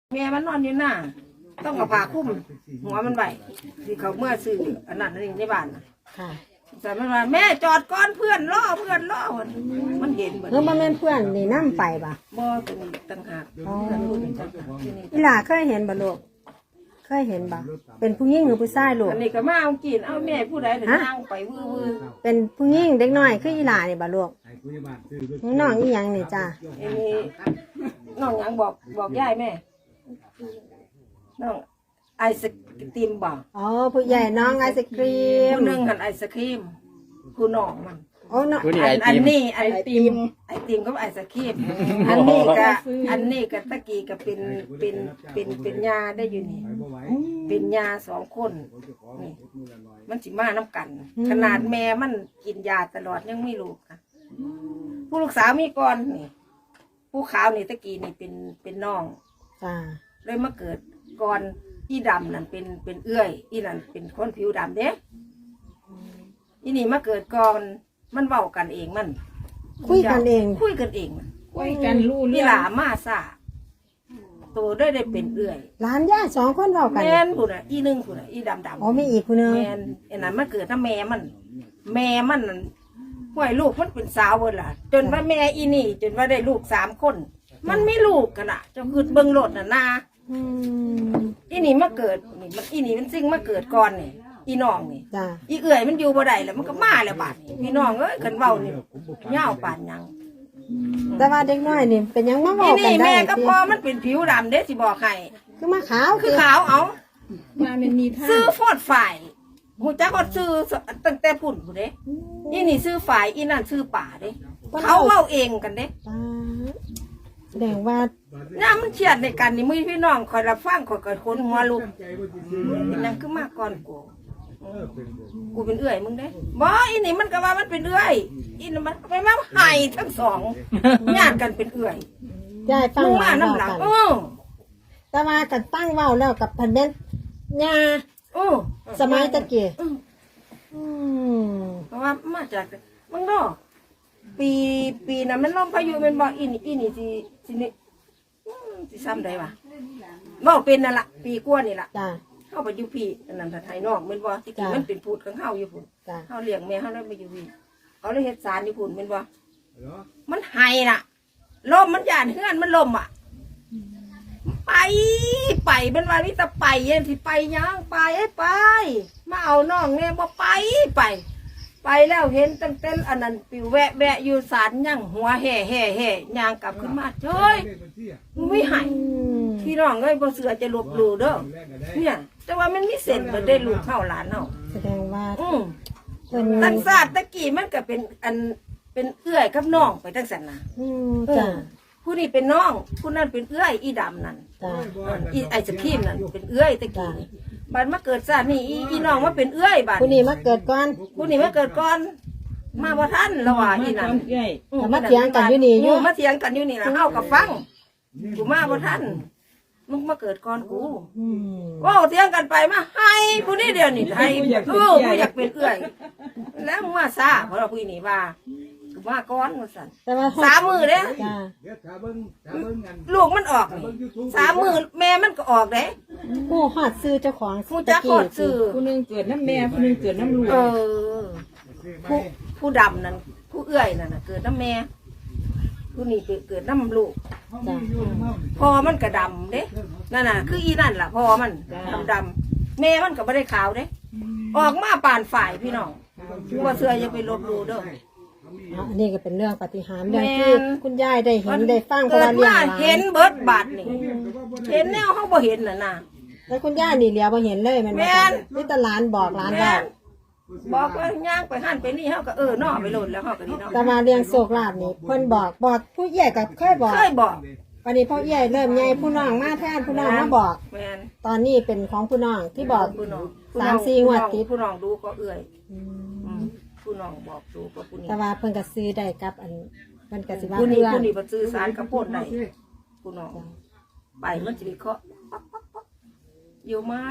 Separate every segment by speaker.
Speaker 1: แม่มันนอนอยู่หน้าต้องเอาผ้าคลุมหัวมันไว้ที่เขาเมื่อซื้ออันนั้นนี่ในบ้าน
Speaker 2: ค่ะ
Speaker 1: แต่มันว่าแม่จอดก่อนเพื่อนล่อมันเห็นเหมือน
Speaker 2: มันเป็นเพื่อนนี่นั่งไปป่ะ
Speaker 1: บ่ตัวนี้ต่างหากเพื่อนพูดเป็นต่างหากที่นี่
Speaker 2: อีหล่าเคยเห็นบ่ลูกเคยเห็นบ่เป็นผู้หญิงหรือผู้ชายลูก
Speaker 1: อันนี้ก็มาเอากินเอาแม่ผู้ใดถึงนั่งไปวื้อ
Speaker 2: เป็นผู้หญิงเด็กน้อยคืออีหล่านี่บ่ลูกน้องอีหยังนี่จ้า
Speaker 1: อันนี้น้องยังบอกยายแม่น้องไอศกรีมบ่
Speaker 2: อ๋อผู้ใหญ่น้องไอศครีม
Speaker 1: ผู้หนึ่งหันไอศครีมผู้น้องมัน
Speaker 2: โอ้น้อง
Speaker 1: อันนี้ไอติมก็ไอศครีมอันนี้ก็ตะกี้ก็เป็นยาได้อยู่นี่เป็นยา2 คนนี่มันสิมาน้ำกันขนาดแม่มันกินยาตลอดยังไม่รู้ค่ะผู้ลูกสาวมีก่อนนี่ผู้ขาวนี่ตะกี้นี่เป็นน้อง
Speaker 2: จ้า
Speaker 1: เลยมาเกิดก่อนอีดำนั่นเป็นเอื้อยอีนั่นเป็นคนผิวดำเด้อีนี่มาเกิดก่อนมันเว้ากันเองมัน
Speaker 2: คุยกันเอง
Speaker 1: รู้นี่หลามาซาตัวได้เป็นเอื้อย
Speaker 2: หลานย่า2 คนเว้ากัน
Speaker 1: แม่นผู้น่ะอีนึงผู้น่ะอีดำ
Speaker 2: อ๋อมีอีกผู้นึง
Speaker 1: แม่นไอ้นั่นมาเกิดถ้าแม่มันห่วยลูกมันเป็นสาวเบิดล่ะจนว่าแม่อีนี่จนว่าได้ลูก3 คนมันไม่ลูกกันน่ะจะคือเบิ่งโลดน่ะนาอีนี่มาเกิดนี่มันอีนี่มันซิ่งมาเกิดก่อนนี่อีน้องนี่อีเอื่อยมันอยู่บ่ได้แล้วมันก็มาแล้วบาดพี่น้องเอ้ยกันเว้านี่ยาวปานหยัง
Speaker 2: แต่ว่าเด็กน้อยนี่เป็นยังมาเว้ากันได้
Speaker 1: นี่แม่ก็พอมันเป็นผิวดำเด้สิบอกให้
Speaker 2: คือมาขาว
Speaker 1: คือขาวเอามามันมีท่าซื้อฟอดฝ่ายหูจักก็ซื้อตั้งแต่พุ่นผู้เด้อีนี่ซื้อฝ่ายอีนั่นซื้อป่าเด้เขาเว้าเองกันเด้
Speaker 2: แสดงว่า
Speaker 1: น้ามันเฉียดในกันนี่มือพี่น้องคอยรับฟังคอยคนหัวลูกนั่นคือมาก่อนกูเป็นเอื้อยมึงได้บ่อีนี่มันก็ว่ามันเป็นเอื้อยอีนี่มันไปมาไห้ทั้ง2ญาติกันเป็นเอื้อย
Speaker 2: ยายฟัง
Speaker 1: มาน้ำหลัง
Speaker 2: แต่ว่ากันตั้งเว้าแล้วกับพันเบ็ดญาสมัยตะกี้
Speaker 1: เพราะว่ามาจากมึงเนาะปีนั้นมันลมพายุมันบอกอีนี่สินี่ซ้ำได้ปะบอกเป็นนั่นละปีกว่านี่ละเข้าไปอยู่พี่นั่นไทยนอกมันบอกที่มันเป็นพูดของเข้าอยู่พุ่นเข้าเลี้ยงแม่เข้าได้ไปอยู่พี่เขาเลยเฮ็ดสารอยู่พุ่นมันบอกมันไห้น่ะลมมันหยาดเฮือนมันลมอ่ะไปเป็นวันนี้จะไปเย็นสิไปยังไปมาเอาน้องเนี่ยบ่ไปแล้วเห็นตั้งแต่อันนั้นปิวแวะอยู่สารยังหัวแห่ย่างกลับขึ้นมาเฮ้ยไม่หายพี่น้องเอ้ยบ่เสือจะลบหลู่เด้อเนี่ยแต่ว่ามันมีเส้นมันได้ลูกเข้าหลานเนาะ
Speaker 2: แสดงว่า
Speaker 1: ตั้งศาสตร์ตะกี้มันก็เป็นเอื้อยกับน้องไปตั้งสันนะ
Speaker 2: จ้ะ
Speaker 1: ผู้นี้เป็นน้องผู้นั้นเป็นเอื้อยอีดำนั่นอีไอศครีมนั่นเป็นเอื้อยตะกี้บัดมาเกิดซะนี่อีน้องมาเป็นเอื้อยบัด
Speaker 2: ผู้นี้มาเกิดก่อน
Speaker 1: มาบ่ทันแล้วว่าอีนั่น
Speaker 2: มาเถียงกันอยู่นี่
Speaker 1: ล่ะเฮาก็ฟังกูมาบ่ทันมึงมาเกิดก่อนกูว้าวเถียงกันไปมาให้ผู้นี้เดียวนี่ให้ผู้อยากเป็นเอื้อยแล้วมึงมาซะเพราะว่าผู้นี้ว่ากูมาก่อนว่าซั่น3 มื้อเด้ลูกมันออก3 มื้อแม่มันก็ออกเด้
Speaker 2: ผู้ฮอดซื้อเจ้าของ
Speaker 1: ผู้จักฮอดซื้อ
Speaker 3: ผู้นึงเกิดน้ำแม่ผู้นึงเกิดน้ำลูก
Speaker 1: ผู้ดำนั่นผู้เอื้อยนั่นน่ะเกิดน้ำแม่ผู้นี่เกิดน้ำลูกพอมันก็ดำเด้นั่นน่ะคืออีนั่นล่ะพอมันดำแม่มันก็ไม่ได้ขาวเด้ออกมาป่านฝ่ายพี่น้องว่าเสืออย่าไปลบดูเด้อ
Speaker 2: อันนี้ก็เป็นเรื่องปาฏิหาริย์เรื่องที่คุณยายได้เห็นได้ฟังเพราะว่า
Speaker 1: เลี้ยงเห็นเบิดบาดนี่เห็นแนวเขาบ่เห็นน่ะ
Speaker 2: แล้วคุณย่านี่เหลียวบ่เห็นเลยมันนี่ตลาดบอกร้าน
Speaker 1: บอกว่าย่างไปหั่นไปนี่เขาก็นอไปโหลดแล้วเขาก็นี่เนาะ
Speaker 2: แต่มาเรียงโศกลาบนี่เพิ่นบอกผู้ใหญ่กับเคยบอกวันนี้พ่อใหญ่เริ่มใหญ่ผู้น้องมาแทนผู้น้องมาบอกตอนนี้เป็นของผู้น้องที่บอก3-4 งวดติด
Speaker 1: ผู้น้องดูก็เอื่อยผู้น้องบอกดูก็ผู้นี้
Speaker 2: แต่ว่าเพิ่นก็ซื้อได้กับอันเพิ่นก็สิว่า
Speaker 1: ผู้นี้บ่ซื้อสารกระโพดได้ผู้น้องไปมันสิเคาะอยู่ไหม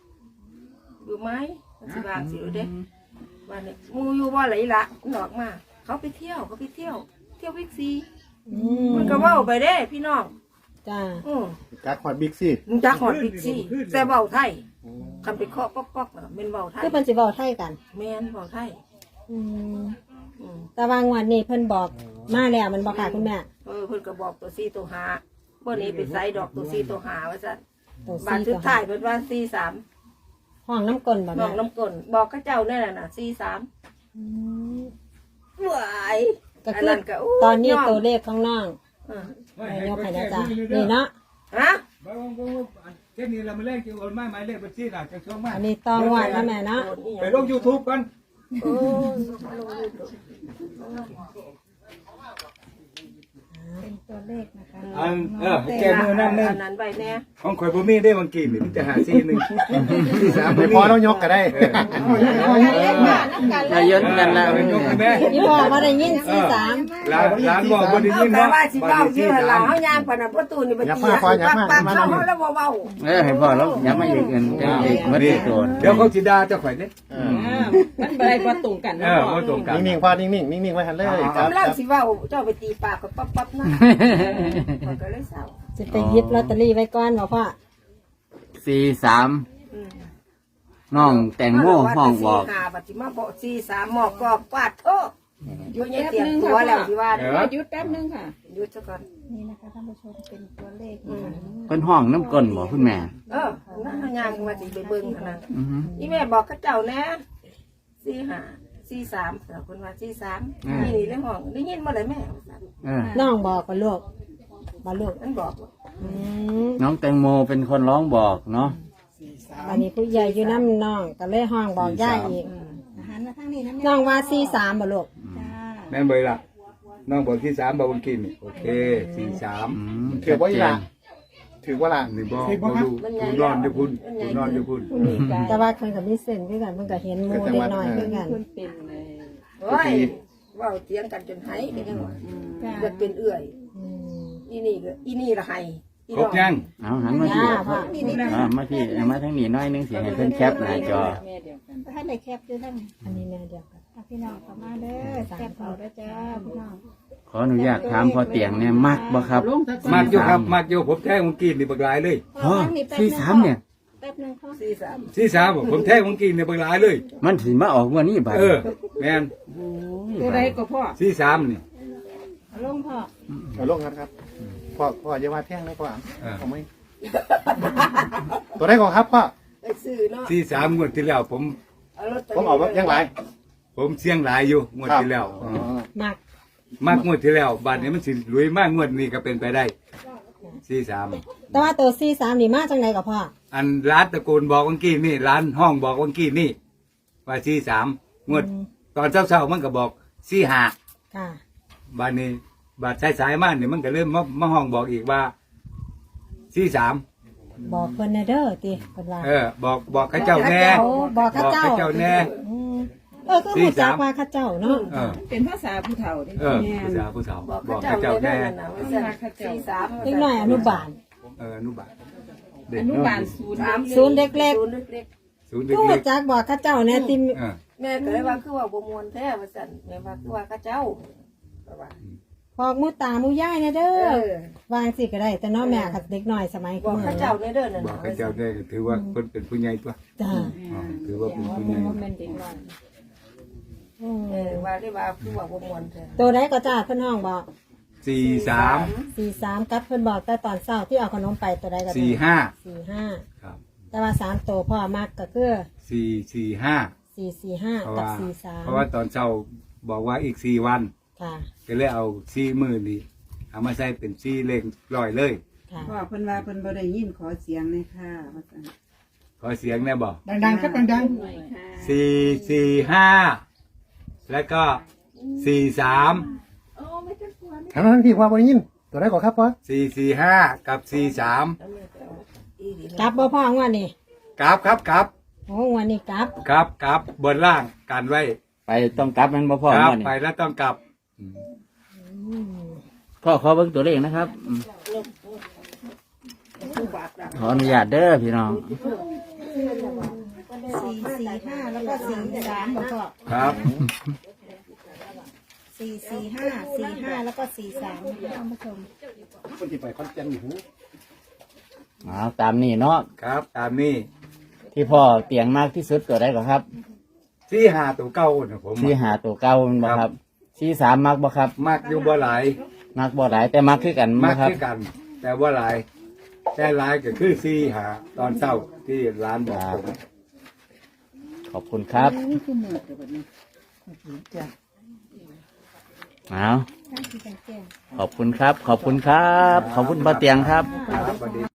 Speaker 1: สิบางสิเด้วันนี้มูอยู่ว่าไหลละหลอกมาเขาไปเที่ยววิกซีมันก็ว่าไปเด้พี่น้อง
Speaker 2: จ้า
Speaker 4: จักฮอดบิ๊กซี่
Speaker 1: มึงจักหอดบิ๊กซี่แต่เบาไทยคำไปเคาะป๊อกๆน่ะเป็นเบาไทย
Speaker 2: คือเพิ่นสิเว้าไทยกัน
Speaker 1: แม่นเบาไทย
Speaker 2: อืมแต่ว่างวดนี้เพิ่นบอกมาแล้วมันบ่ค่ะคุณแม่
Speaker 1: เพิ่นก็บอกตัวซี่ตัวหาบ่นี้ไปใส่ดอกตัวซี่ตัวหาว่าซั่น
Speaker 2: ตัว
Speaker 1: บาท
Speaker 2: 4
Speaker 1: สุ
Speaker 2: ตั
Speaker 1: ด
Speaker 2: ว
Speaker 1: ท้ายเพิ่นว่าซี่สาม
Speaker 2: ห้องน้ำกลนบ่
Speaker 1: น้
Speaker 2: แม่
Speaker 1: องน้ำกลนบอกกับเจ้านั่นน่ะซี่สาม
Speaker 2: อืม
Speaker 1: หวาย
Speaker 2: ก็คือตอนนี้ตัวเลขข้างน้องยกให้นะจ๊ะนี่เนาะ
Speaker 1: ฮะ
Speaker 5: แค่นี้เรามาเล่นเกี่ยวกับไม้เลขบัญชีหลักจะช่วงมา
Speaker 2: อันนี้ต้องงวดนะแม่เนาะ
Speaker 5: ไปลง YouTube กัน
Speaker 1: โอ้
Speaker 6: เป็นตัวเลขนะคะ
Speaker 5: แกมือนั่นนึง
Speaker 1: อันนั้นไปแน่
Speaker 5: ของข่อยบ่มีได้บางกีนี่มันจะหาซีหนึ่งที่สาม
Speaker 4: ไม่พอต้องยกก็ได้
Speaker 3: นายนกันแล้ว
Speaker 5: ยกแม่
Speaker 2: นี่บอกว่าได้ยิน43
Speaker 5: ร้านบอกบ่ได้ยิน
Speaker 1: แต่
Speaker 5: เนาะ
Speaker 1: ว่าสิเว้าชื่อหลังเฮายางปานนั้นประตูนี่บ่ตีปักเข้าแล้วบ่เว้า
Speaker 3: ให้พ่อแล้วอย่ามาอีกเงินจะอีกมัดโดน
Speaker 5: เดี๋ยวเขาสิด่าเจ้าข่อยเด้
Speaker 3: มันบ่ได้บ่ตรงกันนะพ่อ
Speaker 5: บ่ตรงกัน
Speaker 4: นิ่งๆพอนิ่งๆนิ่งๆไว้ทันเลยครับ
Speaker 1: กำลังสิเว้าเจ้าไปตีปากก็ปั๊บๆนะก็เลยเศร้า
Speaker 2: จะไปหยิบลอตเตอรี่ไว้ก่อนบ่พ่อ
Speaker 3: 43น้องแตงโมห้องบอก
Speaker 1: หาบัดสิมาบอก43หมอกกอกกวาดโทษอยู่ในเตรียมตัวแล้วสิว่า
Speaker 3: หยุดแป๊บนึงค่ะ
Speaker 1: หยุดซะก่อน
Speaker 6: นี่นะคะท่านผู้ชมเป็นตัวเลขนะคะ
Speaker 3: เพิ่นห้องน้ำก้นบ่คุณแม่
Speaker 1: นั่นเฮายางว่าสิไปเบิ่งหั่นน่ะ
Speaker 3: อือฮึ
Speaker 1: อีแม่บอกกับเจ้าแน่43แต่คนว่า43นี่เรื่องห้องได้ยินบ่ได้แม่
Speaker 2: น้องบอกกับลูกบ่ลูก
Speaker 1: มันบอก
Speaker 2: อืม
Speaker 3: น้องแตงโมเป็นคนร้องบอกเนาะ
Speaker 2: อันนี้ผู้ใหญ่อยู่น้ำน้องก็เลยห้องบอกย่าอีก
Speaker 6: อาหารมาทางนี้นะ
Speaker 2: น้องว่า43บ่ลูก
Speaker 6: จ้า
Speaker 5: แม่นบ่ล่ะน้องบอกที่3บอกบางกีนี่โอเค43
Speaker 4: ถือว่าอีหละถือว่าละ
Speaker 5: นี่บ่ดูคุณนอนอยู่พุ่นคุณนอนอยู่พุ่น
Speaker 2: แต่ว่าเพิ่นก็มีเส้นคือกันเพิ่นก็เห็นหมู่เด็กน้อยคือกัน
Speaker 1: โอ้ยเว้าเถียงกันจนไหก็จังว่าอยากเป็นเอื้อย
Speaker 2: อืม
Speaker 1: อีนี่ละให้
Speaker 5: ครบยัง
Speaker 3: เอาหันมาที่
Speaker 2: ย่าพ่อ
Speaker 3: มาที่มาทางนี้หน้อยนึงสิให้เพิ่นแคปหน้าจอ
Speaker 6: ท่านในแคปด้วยท่าน
Speaker 2: อันนี้แม่เดียวกัน
Speaker 6: พี่น้องเข้ามาเด้อแคปเอาด้วยจ้าพี่น้อง
Speaker 3: ขออนุญาตถามพอเตียงเนี่ยมักบ่ครับ
Speaker 5: มากอยู่ครับมากอยู่ผมแท้บางกีนี่บักหลายเลย
Speaker 3: พ่อ43เนี่ย
Speaker 6: แป๊บนึงพ่อ
Speaker 1: 43
Speaker 5: 43ผมแท้บางกีนี่บักหลายเลย
Speaker 3: มันสิมาออกวันนี้บัด
Speaker 5: แม่น
Speaker 3: ตัวใดก็พ่อ
Speaker 5: 43นี่
Speaker 6: ลงพ่อ
Speaker 4: เอาลงครับพ่ออย่าว่าแท่งเลยพ่อผมไม่ตัวได้ก่อนครับพ่อ
Speaker 1: ไปซื้อเนาะ
Speaker 5: 43งวดที่แล้วผม
Speaker 1: เอารถ
Speaker 4: ผมเอายังไร
Speaker 5: ผมเสี่ยงหลายอยู่งวดที่แล้ว
Speaker 2: มัก
Speaker 5: มากงวดที่แล้วบาทนี้มันสิรวยมากงวดนี้ก็เป็นไปได้43
Speaker 2: แต่ว่าตัว43นี่มาจังไดกับพ่อ
Speaker 5: อันร้านตระกูลบอกวังกี้นี่ร้านห้องบอกวังกี้นี่ว่า43งวดตอนเช้าๆมันก็บอก45
Speaker 2: ค่ะ
Speaker 5: บาทนี้บาทสายๆมากนี่มันก็เริ่มมาห้องบอกอีกว่า43
Speaker 2: บอกเพิ่นแน่เด้อติเพิ่นว่า
Speaker 5: บอกข้าเจ้าแน่
Speaker 2: โอ้บอกข้าเจ้า
Speaker 5: บอกข้าเจ้าแน่
Speaker 2: อืมคือรู้จักว่าข้าเจ้าเนาะ
Speaker 3: เป็นภาษาผู้เฒ่าดิ
Speaker 5: ผู้สาว
Speaker 1: บอก
Speaker 5: บอก
Speaker 1: เขา
Speaker 5: ข้า
Speaker 1: เจ้า
Speaker 5: เจ้า
Speaker 1: แน่
Speaker 5: แน่
Speaker 1: น่ะว่าซั่น43
Speaker 2: เล็กน้อยอนุบาล
Speaker 5: อนุบาลเด็
Speaker 3: อก นุบาลศูนย์
Speaker 2: ศูนย์เล็ก
Speaker 1: ศูนย์เล็ก
Speaker 5: ศูนย์
Speaker 2: ๆรู้
Speaker 5: เล็ก
Speaker 2: จักบอกข้าเจ้าแน่ติ
Speaker 1: ๆแม่ก็เลยว่าคือว่าบ่ม่วนแท้ว่าซั่นแม่ว่าคือว่าเขาเจ้าว่า
Speaker 2: บอกหมูตาหมูย่ายแน่เด้
Speaker 1: เอ
Speaker 2: อ
Speaker 1: อ
Speaker 2: วางสิก็ได้ แต่น้องแม่กับเด็กน้อยสมัย
Speaker 1: บอก
Speaker 2: มื้อ
Speaker 1: เขาเจ้าในเด้อนั่น
Speaker 5: บอก
Speaker 1: น่ะ
Speaker 5: ข้าเจ้าแน่ถือว่าคนเป็นผู้ใหญ่ตัว
Speaker 2: จ้า
Speaker 5: ถือว่าเป็นผู้ใหญ่
Speaker 1: ว่าได้ว่าคือว่าบ่ม่วนแท้
Speaker 2: ตัวใดก็จ้าเพิ่นห้องบอก
Speaker 5: 43
Speaker 2: 43กับเพิ่นบอกแต่ตอนเช้าที่เอาขนมไปตัวใดก็ได้
Speaker 5: 45
Speaker 2: 45
Speaker 5: ครับ
Speaker 2: แต่ว่า3ตัวพ่อมักก็คือ
Speaker 5: 445
Speaker 2: 445กับ43
Speaker 5: เพราะว่าตอนเช้าบอกว่าอีก4 วัน
Speaker 2: ค่ะ
Speaker 5: ก็เลยเอา4 มื้อนี่เอามาใส่เป็น4เลขร้อยเลย
Speaker 2: ค่ะ
Speaker 3: พ่อเพิ่นว่าเพิ่นบ่ได้ยินขอเสียงเลยค่ะว่าซั่น
Speaker 5: ขอเสียงแน่บอก
Speaker 3: ดังๆครับดัง
Speaker 5: 445 แล้วก็43
Speaker 4: ทางนั้นพี่พ่อบ่ได้ยินตัวได้ก่อนครับพ่อ
Speaker 5: 445 กับ 43
Speaker 2: กลับบ่พ่องวดนี้
Speaker 5: กลับครับกลับ
Speaker 2: โอ้งวดนี้กลับ
Speaker 5: กลับบนล่างกันไว้
Speaker 3: ไปต้องกลับมันบ่พ่อก
Speaker 5: ลับ
Speaker 3: ว่านี่
Speaker 5: ไปแล้วต้องกลับ
Speaker 3: พ่อขอเบิ่งตัวเลขนะครับขออนุญาตเด้อพี่น้อง
Speaker 6: 445แล้วก็43บ่พ่อ
Speaker 5: ครับ
Speaker 6: 445 45แล้วก็43ท่านผู้ชม
Speaker 4: คนที่ไปคอนเจนหู
Speaker 3: ตามนี้เนาะ
Speaker 5: ครับตามนี้
Speaker 3: ที่พ่อเตียงมากที่สุดตัวใดก่อนครับ
Speaker 5: ที่หาตัวเก่านะผม
Speaker 3: ที่หาตัวเก้ามันบ่ครับที่สามมักบ่ครับ
Speaker 5: มักอยู่บ่หลาย
Speaker 3: มักบ่หลายแต่มักคือกัน
Speaker 5: มั
Speaker 3: บ่
Speaker 5: ก
Speaker 3: ครับ
Speaker 5: คือกัน แต่ว่าหลาย แต่หลายก็คือที่หาตอนเช้าที่ร้านบอกผม
Speaker 3: ขอบคุณครับเอาขอบคุณครับ ขอบคุณครับ ขอบคุณป้าเตียงครับ
Speaker 5: ครับสวัสดี